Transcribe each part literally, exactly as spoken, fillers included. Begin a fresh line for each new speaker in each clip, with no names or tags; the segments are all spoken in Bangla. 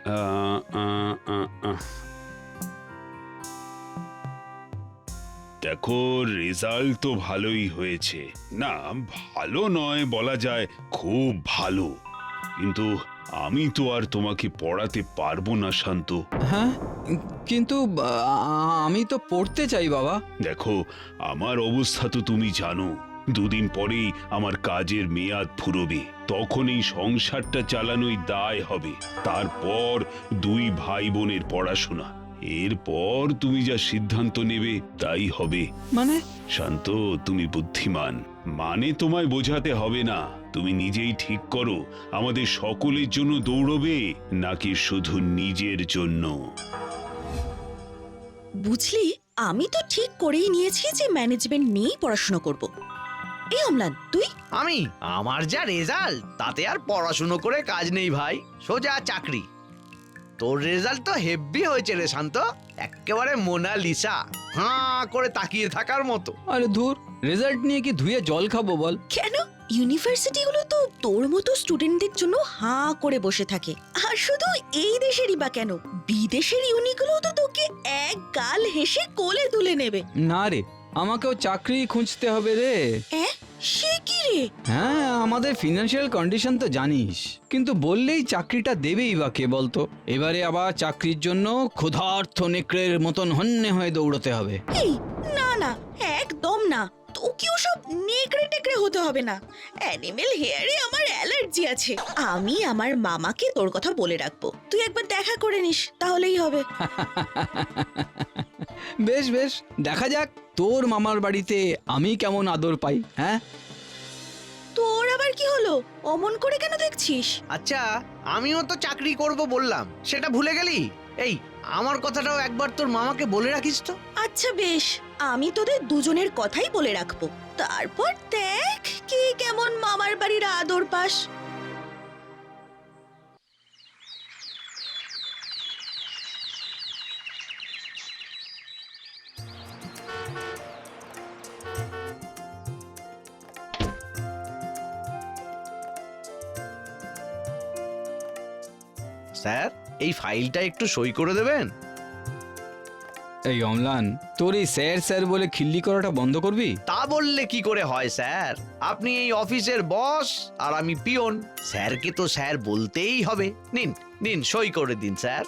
আহ, আহ, আহ, আহ। দেখো, রেজাল্ট তো ভালোই হয়েছে, না ভালো নয় বলা যায়, খুব ভালো, কিন্তু আমি তো আর তোমাকে পড়াতে পারবো না শান্ত।
হ্যাঁ, কিন্তু আ- আমি তো পড়তে চাই বাবা।
দেখো, আমার অবস্থা তো তুমি জানো, দুদিন পরেই আমার কাজের মেয়াদ ফুরবে, তখন এই সংসারটা চালানোই দায় হবে, তারপর দুই ভাই বোনের পড়াশোনা, এরপর তুমি যা সিদ্ধান্ত নেবে তাই হবে।
মানে?
শান্ত, তুমি বুদ্ধিমান, মানে তোমায় বোঝাতে হবে না, তুমি নিজেই ঠিক করো আমাদের সকলের জন্য দৌড়বে নাকি শুধু নিজের জন্য।
বুঝলি, আমি তো ঠিক করেই নিয়েছি যে ম্যানেজমেন্ট নিয়েই পড়াশোনা করব। এই অম্লান, তুই?
আমি আমার যা রেজাল্ট তাতে আর পড়াশুনো করে কাজ নেই ভাই, সোজা চাকরি। তোর রেজাল্ট তো হেভি হয়েছে রে শান্ত, একেবারে মোনালিসা, হাঁ করে তাকিয়ে থাকার মতো।
আরে ধুর, রেজাল্ট নিয়ে কি ধুয়ে জল খাবো বল?
কেন, ইউনিভার্সিটিগুলো তো তোর মতো স্টুডেন্টদের জন্য হাঁ করে বসে থাকে। আর শুধু এই দেশেরই বা কেন, বিদেশের ইউনিগুলো তো তোকে এক গাল হেসে কোলে তুলে নেবে।
না রে, আমাকেও চাকরি খুঁজতে হবে রে।
হ্যাঁ, সে কি রে?
হ্যাঁ, আমাদের ফিনান্সিয়াল কন্ডিশন তো জানিস, কিন্তু বললেই চাকরিটা দেবেই বা কে বলতো? এবারে আবার চাকরির জন্য ক্ষুধার্ত নেকড়ের মতন হন্যে হয়ে দৌড়তে হবে।
এই না না, একদম না, তোকেও সব নেকড়ে টেকড়ে হতে হবে না। অ্যানিমেল হেয়ারে আমার অ্যালার্জি আছে, আমি আমার মামাকে তোর কথা বলে রাখবো, তুই একবার দেখা করে নিস, তাহলেই হবে।
বেশ বেশ, দেখা যাক তোর মামার বাড়িতে আমি কেমন আদর পাই। হ্যাঁ,
তোর আবার কি হলো? অমন করে কেন দেখছিস?
আচ্ছা, আমিও তো চাকরি করব বললাম, সেটা ভুলে গেলি? এই আমার কথাটাও একবার তোর মামাকে বলে রাখিস তো।
আচ্ছা বেশ, আমি তোদের দুজনের কথাই বলে রাখবো, তারপর দেখ কে কেমন মামার বাড়ির আদর পাস।
স্যার, এই ফাইলটা একটু সই করে দেবেন।
এই অম্লান, তোর এই স্যার স্যার বলে খিল্লি করাটা বন্ধ করবি?
তা বললে কি করে হয় স্যার, আপনি এই অফিসের বস আর আমি পিয়ন, স্যারকে তো স্যার বলতেই হবে। নিন নিন, সই করে দিন স্যার।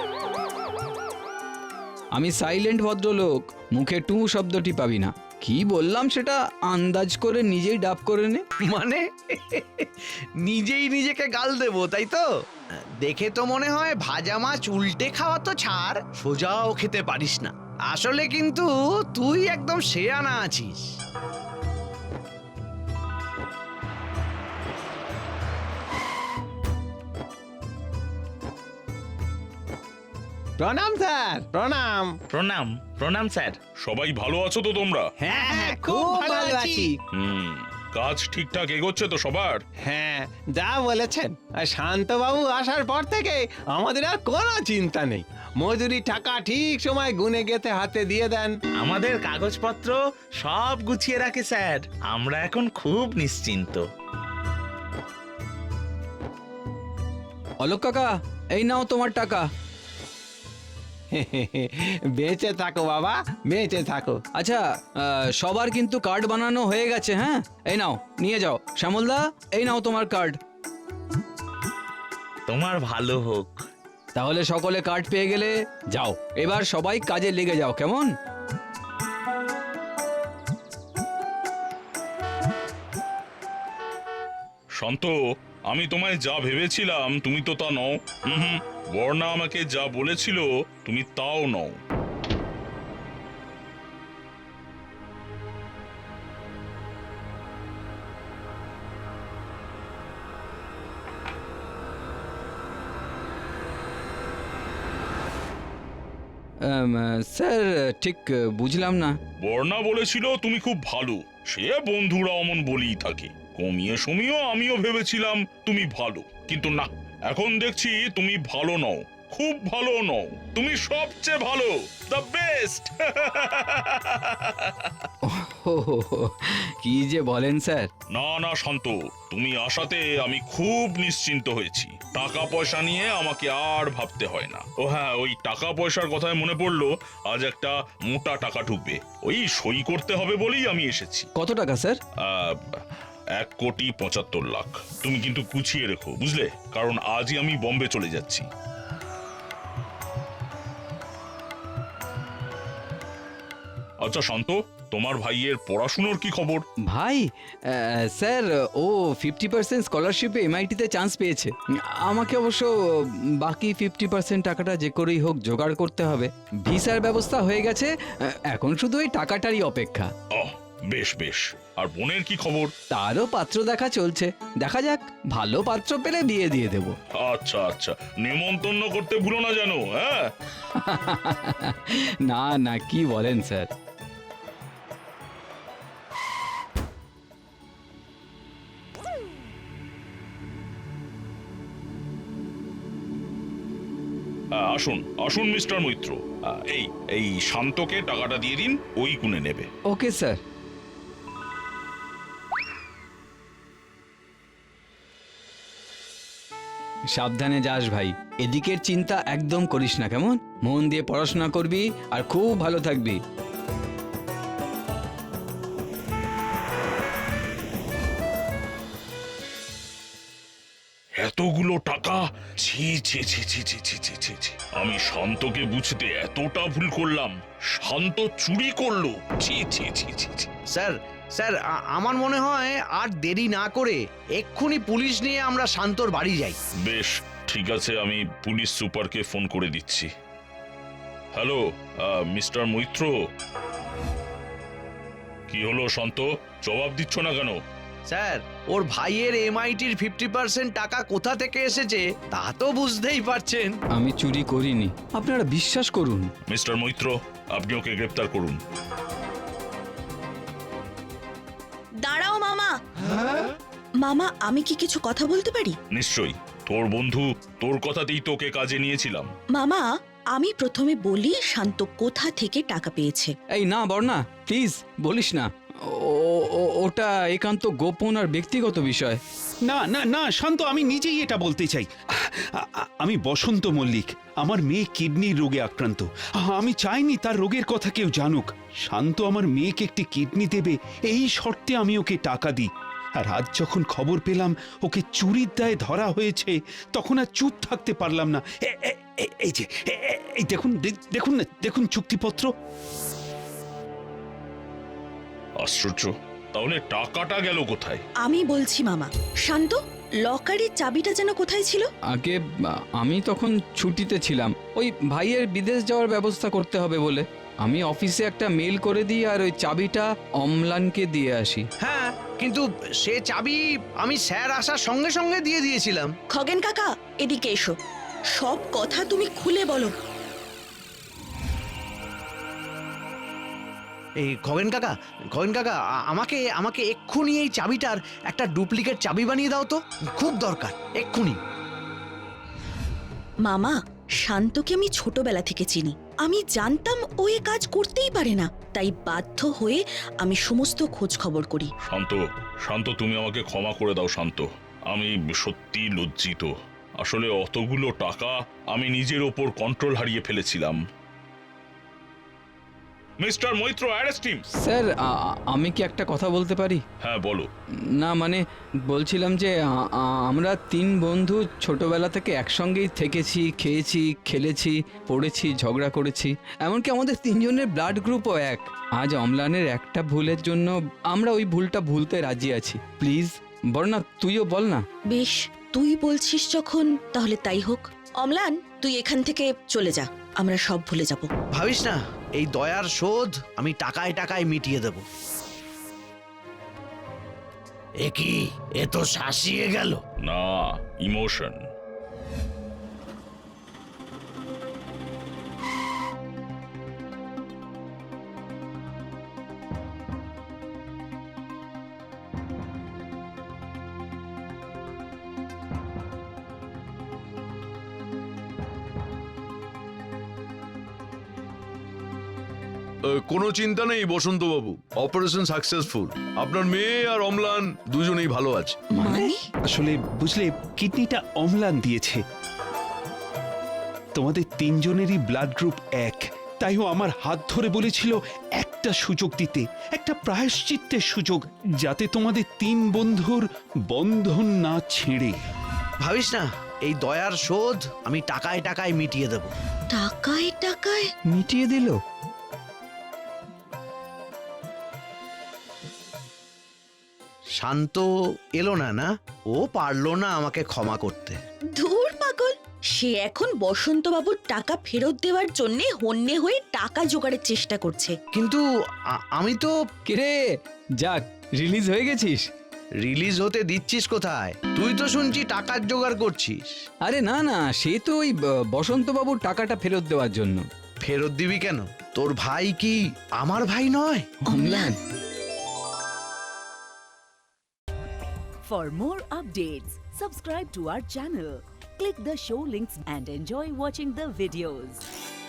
আমি সাইলেন্ট ভদ্রলোক, মুখে টু শব্দটি পাবি না। কি বললাম সেটা আন্দাজ করে নিজেই ডাব করে নে।
মানে নিজেই নিজেকে গাল দেবো তাই তো? দেখে তো মনে হয় ভাজা মাছ উল্টে খাওয়া তো ছাড়, সোজাও খেতে পারিস না। আসলে কিন্তু তুই একদম শেয়ানা আছিস।
প্রণাম স্যার, প্রণাম।
প্রণাম প্রণাম স্যার।
সবাই ভালো আছো তো তোমরা?
হ্যাঁ হ্যাঁ, খুব ভালো আছি।
হুম, কাজ ঠিকঠাক এগোচ্ছে তো সবার?
হ্যাঁ, যা বলেছেন, আর শান্তবাবু আসার পর থেকে আমাদের আর কোনো চিন্তা নেই, মজুরি টাকা ঠিক সময় গুনে গেতে হাতে দিয়ে দেন।
আমাদের কাগজপত্র সব গুছিয়ে রাখে স্যার, আমরা এখন খুব নিশ্চিন্ত।
অলোক কাকা, এই নাও তোমার টাকা।
বেঁচে থাকো বাবা, বেঁচে থাকো।
আচ্ছা, আহ, সবার কিন্তু কার্ড বানানো হয়ে গেছে। হ্যাঁ, এই নাও, নিয়ে যাও। শ্যামলদা, এই নাও তোমার কার্ড।
তোমার ভালো হোক।
তাহলে সকলে কার্ড পেয়ে গেলে যাও, এবার সবাই কাজে লেগে যাও, কেমন?
শান্ত, আমি তোমায় যা ভেবেছিলাম তুমি তো তা নও। হুম, বর্ণা আমাকে যা বলেছিল তুমি তাও নও।
আম, স্যার, ঠিক বুঝলাম না।
বর্ণা বলেছিল তুমি খুব ভালো, সে বন্ধুরা অমন বলেই থাকে। কমিয়ে সমিয়েও আমিও ভেবেছিলাম তুমি ভালো, কিন্তু না, এখন দেখছি তুমি ভালো নও, খুব ভালো নও, তুমি সবচেয়ে ভালো, দ্য বেস্ট।
কি যে বলেন স্যার।
না না শান্ত, তুমি আসাতে আমি খুব নিশ্চিন্ত হয়েছি। টাকা পয়সা নিয়ে আমাকে আর ভাবতে হয় না। ও হ্যাঁ, ওই টাকা পয়সার কথায় মনে পড়লো, আজ একটা মোটা টাকা ঢুকবে, ওই সই করতে হবে বলেই আমি এসেছি।
কত টাকা স্যার?
আহ, এক কোটি পঁচাত্তর লাখ। তুমি কিন্তু গুছিয়ে রেখো, বুঝলে, কারণ আজই আমি বম্বে চলে যাচ্ছি। আচ্ছা শান্ত, তোমার ভাইয়ের পড়াশুনোর কি খবর?
ভাই আহ, স্যার ও ফিফটি পার্সেন্ট স্কলারশিপে এমআইটিতে চান্স পেয়েছে। আমাকে অবশ্য বাকি ফিফটি পার্সেন্ট টাকাটা যে করেই হোক জোগাড় করতে হবে। ভিসার ব্যবস্থা হয়ে গেছে, আহ, এখন শুধু ওই টাকাটারই অপেক্ষা।
আহ, বেশ বেশ। আর বোনের কি খবর?
তারও পাত্র দেখা চলছে, দেখা যাক, ভালো পাত্র পেলে বিয়ে দিয়ে দেব।
আচ্ছা আচ্ছা, নেমন্তন্ন করতে ভুলো না জানো। হ্যাঁ,
না না, কি বলেন স্যার?
আহ, আসুন আসুন মিস্টার মৈত্র, আহ, এই এই শান্তকে টাকাটা দিয়ে দিন, ওই গুনে নেবে।
Okay sir. সাবধানে যাস ভাই, এদিকের চিন্তা একদম করিস না, কেমন? মন দিয়ে পড়াশোনা করবি আর খুব ভালো থাকবি।
এতগুলো টাকা! ছি ছি ছি ছি ছি ছি ছি ছি ছি। আমি শান্তকে বুঝতে এতটা ভুল করলাম, শান্ত চুরি করলো! ছি ছি ছি ছি ছি।
স্যার স্যার আ- আমার মনে হয় আর দেরি না করে এক্ষুনি পুলিশ নিয়ে আমরা শান্তর বাড়ি যাই।
বেশ, ঠিক আছে, আমি পুলিশ সুপারকে ফোন করে দিচ্ছি। হ্যালো মিস্টার মৈত্র, কি হলো শান্ত, জবাব দিচ্ছ না কেন?
স্যার, ওর ভাইয়ের এমআইটির ফিফটি পার্সেন্ট টাকা কোথা থেকে এসেছে তা তো বুঝতেই পারছেন।
আমি চুরি করিনি, আপনারা বিশ্বাস করুন।
মিস্টার মৈত্র, আপনি ওকে গ্রেপ্তার করুন।
দাঁড়াও মামা। মামা, আমি কি কিছু কথা বলতে পারি?
নিশ্চয়ই, তোর বন্ধু, তোর কথাতেই তোকে কাজে নিয়েছিলাম।
মামা, আমি প্রথমে বলি শান্ত কোথা থেকে টাকা পেয়েছে।
এই না বর্ণা, প্লিজ বলিস না, ও- ও- ওটা একান্ত গোপন আর ব্যক্তিগত বিষয়।
না না না শান্ত, আমি নিজেই এটা বলতে চাই। আ- আ- আমি বসন্ত মল্লিক, আমার মেয়ে কিডনির রোগে আক্রান্ত। আমি চাইনি তার রোগের কথা কেউ জানুক। শান্ত আমার মেয়েকে একটি কিডনি দেবে এই শর্তে আমি ওকে টাকা দিই। আর আজ যখন খবর পেলাম ওকে চুরির দায়ে ধরা হয়েছে, তখন আর চুপ থাকতে পারলাম না। এ- এ- এ- এই যে এ- এ- এই দেখুন, দে- দেখুন না, দেখুন চুক্তিপত্র।
আশ্চর্য, তাহলে টাকাটা গেল কোথায়?
আমি বলছি মামা, শান্ত, লকারের চাবিটা যেন কোথায় ছিল?
আগে আ- আমি তখন ছুটিতে ছিলাম, ওই ভাইয়ের বিদেশ যাওয়ার ব্যবস্থা করতে হবে বলে আমি অফিসে একটা মেল করে দিই আর ওই চাবিটা অম্লানকে দিয়ে আসি।
হ্যাঁ, কিন্তু সে চাবি আমি স্যার আসার সঙ্গে সঙ্গে দিয়ে দিয়েছিলাম।
খগেন কাকা, এদিকে এসো, সব কথা তুমি খুলে বলো।
এই খগেন কাকা, খগেন কাকা আ- আমাকে আমাকে এক্ষুনি এই চাবিটার একটা ডুপ্লিকেট চাবি বানিয়ে দাও তো, খুব দরকার, এক্ষুনি।
মামা, শান্তকে আমি ছোটবেলা থেকে চিনি। আমি জানতাম ও এ কাজ করতেই পারে না, তাই বাধ্য হয়ে আমি সমস্ত খোঁজ খবর করি।
শান্ত, শান্ত, তুমি আমাকে ক্ষমা করে দাও শান্ত, আমি সত্যি লজ্জিত। আসলে অতগুলো টাকা আমি নিজের ওপর কন্ট্রোল হারিয়ে ফেলেছিলাম। Mister Maitra, arrest him.
Sir আ- আ- আমি কি একটা কথা বলতে পারি?
হ্যাঁ বলো।
না মানে বলছিলাম যে আ- আ- আমরা তিন বন্ধু ছোটবেলা থেকে একসঙ্গেই থেকেছি, খেয়েছি, খেলেছি, পড়েছি, ঝগড়া করেছি, এমনকি আমাদের তিনজনের ব্লাড গ্রুপও এক। আজ অম্লানের একটা ভুলের জন্য আমরা ওই ভুলটা ভুলতে রাজি আছি। প্লিজ বর্ণা, তুইও বল না।
বেশ, তুই বলছিস যখন, তাহলে তাই হোক। অম্লান, তুই এখান থেকে চলে যা, আমরা সব ভুলে যাব।
ভাবিস না, এই দয়ার শোধ আমি টাকায় টাকায় মিটিয়ে দেব। এ কি, এ তো শাসিয়ে গেল।
না, ইমোশন।
কোনো চিন্তা নেই বসন্ত বাবু, অপারেশন সাকসেসফুল। আপনার মেয়ে আর অম্লান দুজনেই ভালো আছে।
মানে
আসলে বুঝলে কিডনিটা অম্লান দিয়েছে। তোমাদের তিনজনেরই ব্লাড গ্রুপ এক, তাই ও আমার হাত ধরে বলেছিল একটা সুযোগ দিতে, একটা প্রায়শ্চিত্তের সুযোগ, যাতে তোমাদের তিন বন্ধুর বন্ধন না ছেড়ে।
ভাবিস না, এই দয়ার শোধ আমি টাকায় টাকায় মিটিয়ে দেব।
টাকায় টাকায়?
মিটিয়ে দিল?
শান্ত এলো না না, ও পারলো না আমাকে ক্ষমা করতে।
ধুর পাগল, সে এখন বসন্তবাবুর টাকা ফেরত দেওয়ার জন্য হন্যে হয়ে টাকা জোগাড়ের চেষ্টা করছে।
কিন্তু আ- আমি তো
কিরে, যাক রিলিজ হয়ে গেছিস?
রিলিজ হতে দিচ্ছিস কোথায়? তুই তো শুনছি টাকার জোগাড় করছিস।
আরে না না, সে তো ওই ব- বসন্তবাবুর টাকাটা ফেরত দেওয়ার জন্য।
ফেরত দিবি কেন? তোর ভাই কি আমার ভাই নয়?
অম্লান,
For more updates, subscribe to our channel, click the show links and enjoy watching the videos.